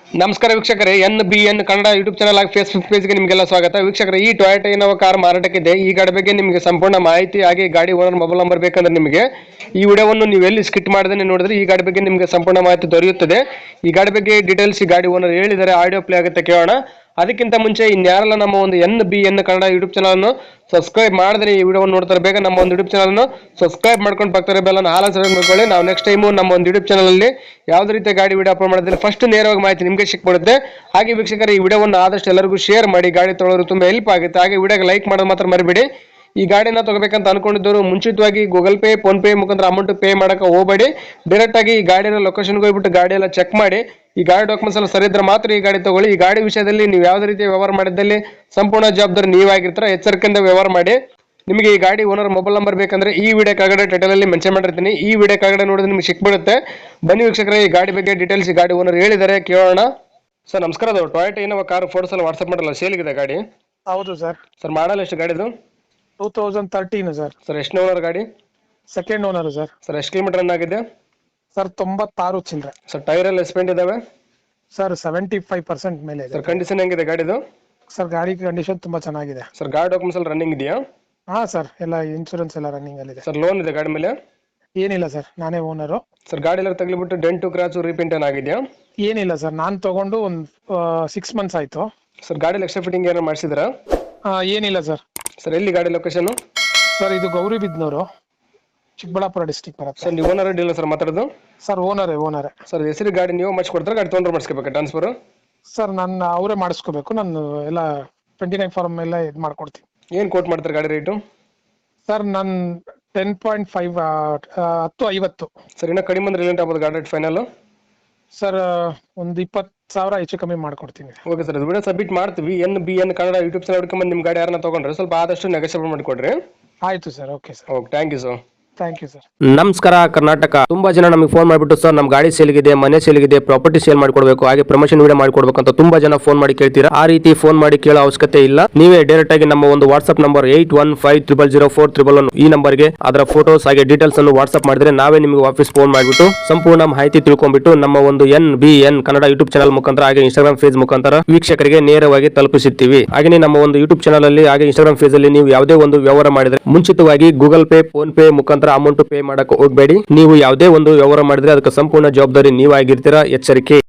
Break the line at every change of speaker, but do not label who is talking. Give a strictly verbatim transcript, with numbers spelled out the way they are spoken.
ನಮಸ್ಕಾರ ವೀಕ್ಷಕರೇ, N B N Kannada YouTube channel ಆಗಿ ಫೇಸ್ಬುಕ್ ಪೇಜ್ಗೆ ನಿಮಗೆಲ್ಲ ಸ್ವಾಗತ. ವೀಕ್ಷಕರೇ, ಈ ಟೊಯೋಟಾ ಇನೋವಾ ಕಾರ್ ಮಾರಾಟಕ್ಕಿದೆ. ಈ ಗಾಡಿ ಬಗ್ಗೆ ನಿಮಗೆ ಸಂಪೂರ್ಣ ಮಾಹಿತಿ ಹಾಗೆ ಗಾಡಿ ಓನರ್ ಮೊಬೈಲ್ ನಂಬರ್ ಬೇಕಂದ್ರೆ ನಿಮಗೆ ಈ ವಿಡಿಯೋವನ್ನು ನೀವು ಎಲ್ಲಿ ಸ್ಕಿಟ್ ಮಾಡದೇ ನೋಡಿದ್ರೆ ಈ ಗಾಡಿ ಬಗ್ಗೆ ನಿಮಗೆ ಸಂಪೂರ್ಣ ಮಾಹಿತಿ ದೊರೆಯುತ್ತದೆ. ಈ ಗಾಡಿ ಬಗ್ಗೆ ಡೀಟೇಲ್ಸ್ ಈ ಗಾಡಿ ಓನರ್ ಹೇಳಿದರೆ ಆಡಿಯೋ ಪ್ಲೇ ಆಗುತ್ತೆ, ಕೇಳೋಣ. ಅದಕ್ಕಿಂತ ಮುಂಚೆ ಇನ್ಯಾರಲ್ಲ ನಮ್ಮ ಒಂದು N B N Kannada YouTube channel subscribe ಮಾಡಿದ್ರೆ ಈ ವಿಡಿಯೋ ನೋಡ್ತಾರೆ ಬೇಗ ನಮ್ಮ ಒಂದು ಯೂಟ್ಯೂಬ್ ಚಾನಲ್ ಸಬ್ಸ್ಕ್ರೈಬ್ ಮಾಡ್ಕೊಂಡು ಬರ್ತಾರೆ ಬೆಲ್ಲ ಹಾಲ ಸಬ್ಸ್ಕ್ರೈಬ್ ಮಾಡ್ಕೊಳ್ಳಿ. ನಾವು ನೆಕ್ಸ್ಟ್ ಟೈಮು ನಮ್ಮ ಒಂದು ಯೂಟ್ಯೂಬ್ ಚಾನಲ್ ಅಲ್ಲಿ ಯಾವುದೇ ರೀತಿಯ ಗಾಡಿ ವಿಡಿಯೋ ಅಪ್ಲೋಡ್ ಮಾಡಿದ್ರೆ ಫಸ್ಟ್ ನೇರವಾಗಿ ಮಾಹಿತಿ ನಿಮಗೆ ಸಿಕ್ಬಿಡುತ್ತೆ. ಹಾಗೆ ವೀಕ್ಷಕರ, ಈ ವಿಡಿಯೋವನ್ನು ಆದಷ್ಟು ಎಲ್ಲರಿಗೂ ಶೇರ್ ಮಾಡಿ, ಗಾಡಿ ತೊಗೊಳ್ಳೋರು ತುಂಬಾ ಹೆಲ್ಪ್ ಆಗುತ್ತೆ. ಹಾಗೆ ವಿಡಿಯೋಗೆ ಲೈಕ್ ಮಾಡೋದು ಮಾತ್ರ ಮರಿಬೇಡಿ. ಈ ಗಾಡಿನ ತಗೋಬೇಕಂತ ಅನ್ಕೊಂಡಿದ್ದವರು ಮುಂಚಿತವಾಗಿ ಗೂಗಲ್ ಪೇ ಫೋನ್ ಪೇ ಮುಖಾಂತರ ಅಮೌಂಟ್ ಪೇ ಮಾಡಕ್ಕೆ ಹೋಗಬೇಡಿ. ಡೈರೆಕ್ಟ್ ಆಗಿ ಈ ಗಾಡಿನ ಲೊಕೇಶನ್ಗೆ ಹೋಗ್ಬಿಟ್ಟು ಗಾಡಿ ಎಲ್ಲ ಚೆಕ್ ಮಾಡಿ, ಈ ಗಾಡಿ ಡಾಕ್ಯುಮೆಂಟ್ಸ್ ಎಲ್ಲ ಸರಿ ಇದ್ರೆ ಮಾತ್ರ ಈ ಗಾಡಿ ತಗೊಳ್ಳಿ. ಈ ಗಾಡಿ ವಿಷಯದಲ್ಲಿ ನೀವು ಯಾವುದೇ ರೀತಿ ವ್ಯವಹಾರ ಮಾಡಿದ್ದಲ್ಲಿ ಸಂಪೂರ್ಣ ಜವಾಬ್ದಾರಿ ನೀವಾಗಿರ್ತಾರೆ. ಎಚ್ಚರಿಕೆಯಿಂದ ವ್ಯವಹಾರ ಮಾಡಿ. ನಿಮಗೆ ಈ ಗಾಡಿ ಓನರ್ ಮೊಬೈಲ್ ನಂಬರ್ ಬೇಕಂದ್ರೆ ಈ ವಿಡಿಯೋ ಕೆಳಗಡೆ ಟೈಟಲ್ ಅಲ್ಲಿ ಮೆನ್ಷನ್ ಮಾಡಿರ್ತೀನಿ. ಈ ವಿಡಿಯೋ ಕೆಳಗಡೆ ನೋಡಿದ್ರೆ ನಿಮ್ಗೆ ಸಿಕ್ಬಿಡುತ್ತೆ. ಬನ್ನಿ ವೀಕ್ಷಕರೇ, ಈ ಗಾಡಿ ಬಗ್ಗೆ ಡೀಟೇಲ್ಸ್ ಈ ಗಾಡಿ ಓನರ್ ಹೇಳಿದ್ದಾರೆ, ಕೇಳೋಣ. ಸರ್ ನಮಸ್ಕಾರ, ಅದು ಟೊಯೋಟಾ ಇನೋವಾ ಕಾರ್ ಫೋಟೋಸ್ ಎಲ್ಲ ವಾಟ್ಸ್ಆಪ್ ಮಾಡಲ್ಲ, ಸೇಲ್ಗಿದೆ ಗಾಡಿ?
ಹೌದು ಸರ್.
ಸರ್ ಮಾಡಲ್ಲ ಎಷ್ಟು ಗಾಡಿದು?
Two thousand thirteen sir.
Sir ಎಷ್ಟು ಓನರ್ ಗಾಡಿ?
Second owner sir.
ಸರ್ ಎಷ್ಟು ಕಿಲೋಮೀಟರ್ ರನ್ ಆಗಿದೆ?
ಸರ್ ತೊಂಬತ್ತಾರು ಚಿಲ್ಲರೆ.
ಸರ್ ಟೈರ್ ಎಲ್ಲ ಎಸ್ಪೆಂಟ್ ಇದಾವೆ?
ಸರ್ ಸೆವೆಂಟಿ ಫೈವ್ ಪರ್ಸೆಂಟ್ ಮೇಲೆ ಇದೆ.
ಸರ್ ಕಂಡೀಷನ್ ಹೆಂಗಿದೆ ಗಾಡಿದು?
ಸರ್ ಗಾಡಿ ಕಂಡೀಷನ್ ತುಂಬಾ ಚೆನ್ನಾಗಿದೆ.
ಸರ್ ಗಾಡಿ ಡಾಕ್ಯುಮೆಂಟ್ಸ್ ಎಲ್ಲ ರನ್ನಿಂಗ್ ಇದೆಯಾ?
ಹಾ ಸರ್, ಎಲ್ಲ ಇನ್ಶೂರೆನ್ಸ್ ಎಲ್ಲ ರನ್ನಿಂಗ್ ಅಲ್ಲಿ ಇದೆ.
ಸರ್ ಲೋನ್ ಇದೆ ಗಾಡಿ ಮೇಲೆ?
ಏನಿಲ್ಲ ಸರ್, ನಾನೇ ಓನರು.
ಸರ್ ಗಾಡಿ ಎಲ್ಲ ತಗ್ಲಿಬಿಟ್ಟು ಡೆಂಟು ಕ್ರಾಚು ರೀಪೇಂಟ್ ಏನಾಗಿದೆಯಾ?
ಏನಿಲ್ಲ ಸರ್, ನಾನು ತಗೊಂಡು ಒಂದು ಸಿಕ್ಸ್ ಮಂತ್ಸ್ ಆಯ್ತು.
ಸರ್ ಗಾಡಿ ಎಕ್ಸ್ಟ್ರಾ ಫಿಟ್ಟಿಂಗ್ ಏನಾರು ಮಾಡಿಸಿದ್ರಾ?
ಏನಿಲ್ಲ ಸರ್.
ಸರ್ ಎಲ್ಲಿ ಗಾಡಿ ಲೊಕೇಶನ್?
ಸರ್ ಇದು ಗೌರಿಬಿದ್ನೂರು, ಚಿಕ್ಕಬಳ್ಳಾಪುರ ಡಿಸ್ಟಿಕ್ ಬರುತ್ತೆ.
ಸರ್ ನೀವು ಓನರ್ ಡೀಲರ್ ಸರ್ ಮಾತಾಡೋದು?
ಸರ್ ಓನರೇ ಓನರೇ.
ಸರ್ ಹೆಸರು ಗಾಡಿ ನೀವು ಮಾಡಿಸ್ಕೊಡ್ತಾರೆ, ಗಾಡಿ ತೊಗೊಂಡ್ರೆ ಮಾಡಿಸ್ಕೋಬೇಕಾ ಟ್ರಾನ್ಸ್ಫರ್?
ಸರ್ ನಾನು ಅವರೇ ಮಾಡಿಸ್ಕೋಬೇಕು. ನಾನು ಎಲ್ಲ ಟ್ವೆಂಟಿ ನೈನ್ ಫಾರ್ಮ್ ಎಲ್ಲ ಇದು ಮಾಡ್ಕೊಡ್ತೀನಿ.
ಏನು ಕೋಟ್ ಮಾಡ್ತಾರೆ ಗಾಡಿ ರೇಟು?
ಸರ್ ನಾನು ಟೆನ್ ಪಾಯಿಂಟ್ ಫೈವ್ ಹತ್ತು ಐವತ್ತು.
ಸರ್ ಇನ್ನೂ ಕಡಿಮೆ ಅಂದ್ರೆ ರಿಲೇಟ್ ಆಗ್ಬೋದು ಗಾಡಿ ರೇಟ್ ಫೈನಲ್?
ಸರ್ ಒಂದು ಇಪ್ಪತ್ತು ಸಾವಿರ ಹೆಚ್ಚು ಕಮ್ಮಿ ಮಾಡ್ಕೊಡ್ತೀನಿ.
ಓಕೆ ಸರ್, ಇದು ವಿಡಿಯೋ ಸಬ್ಮಿಟ್ ಮಾಡ್ತೀವಿ. N B N Kannada YouTube channel ಹುಡ್ಕೊಂಬಂದು ನಿಮ್ಮ ಗಾಡಿ ಯಾರನ್ನ ತೊಗೊಂಡ್ರೆ ಸ್ವಲ್ಪ ಆದಷ್ಟು ನೆಗೋಷಿಯೇಟ್ ಮಾಡಿಕೊಡ್ರಿ.
ಆಯ್ತು ಸರ್. Okay sir.
Okay, thank you sir.
Thank you sir.
ನಮಸ್ಕಾರ ಕರ್ನಾಟಕ. ತುಂಬಾ ಜನ ನಮಗೆ ಫೋನ್ ಮಾಡಿಬಿಟ್ಟು ಸರ್ ನಮ್ಮ ಗಾಡಿ ಸೇಲ್ಗಿದೆ, ಮನೆ ಸೇಲ್ಗಿದೆ, ಪ್ರಾಪರ್ಟಿ ಸೇಲ್ ಮಾಡಿಕೊಡ್ಬೇಕು, ಹಾಗೆ ಪ್ರಮೋಷನ್ ವಿಡಿಯೋ ಮಾಡಿಕೊಡ್ಬೇಕು ಅಂತ ತುಂಬಾ ಜನ ಫೋನ್ ಮಾಡಿ ಕೇಳ್ತೀರಾ. ಆ ರೀತಿ ಫೋನ್ ಮಾಡಿ ಕೇಳೋ ಅವಶ್ಯಕತೆ ಇಲ್ಲ. ನೀವೇ ಡೈರೆಕ್ಟ್ ಆಗಿ ನಮ್ಮ ಒಂದು WhatsApp number eight one five triple zero four triple one ಈ ನಂಬರ್ಗೆ ಅದರ ಫೋಟೋಸ್ ಹಾಗೆ ಡೀಟೇಲ್ಸ್ ಅನ್ನು ವಾಟ್ಸ್ಆಪ್ ಮಾಡಿದ್ರೆ ನಾವೇ ನಿಮಗೆ ವಾಪಸ್ ಫೋನ್ ಮಾಡಿಬಿಟ್ಟು ಸಂಪೂರ್ಣ ಮಾಹಿತಿ ತಿಳ್ಕೊಂಡ್ಬಿಟ್ಟು ನಮ್ಮ ಒಂದು N B N Kannada YouTube channel ಮುಖಾಂತರ ಹಾಗೆ ಇನ್ಸ್ಟಾಗ್ರಾಮ್ ಪೇಜ್ ಮುಖಾಂತರ ವೀಕ್ಷಕರಿಗೆ ನೇರವಾಗಿ ತಲುಪಿಸುತ್ತೀವಿ. ಹಾಗೆ ನಮ್ಮ ಒಂದು ಯೂಟ್ಯೂಬ್ ಚಾನಲ್ ಅಲ್ಲಿ ಹಾಗೆ ಇನ್ಸ್ಟಾಗ್ರಾಮ್ ಪೇಜ್ ಅಲ್ಲಿ ನೀವು ಯಾವುದೇ ಒಂದು ವ್ಯವಹಾರ ಮಾಡಿದ್ರೆ ಮುಂಚಿತವಾಗಿ ಗೂಗಲ್ ಪೇ ಫೋನ್ ಪೇ ಮುಖಾಂತರ ಅಮೌಂಟ್ ಪೇ ಮಾಡಕ್ಕೆ ಹೋಗಬೇಡಿ. ನೀವು ಯಾವುದೇ ಒಂದು ವ್ಯವಹಾರ ಮಾಡಿದ್ರೆ ಅದಕ್ಕೆ ಸಂಪೂರ್ಣ ಜವಾಬ್ದಾರಿ ನೀವಾಗಿರ್ತೀರಾ. ಎಚ್ಚರಿಕೆ.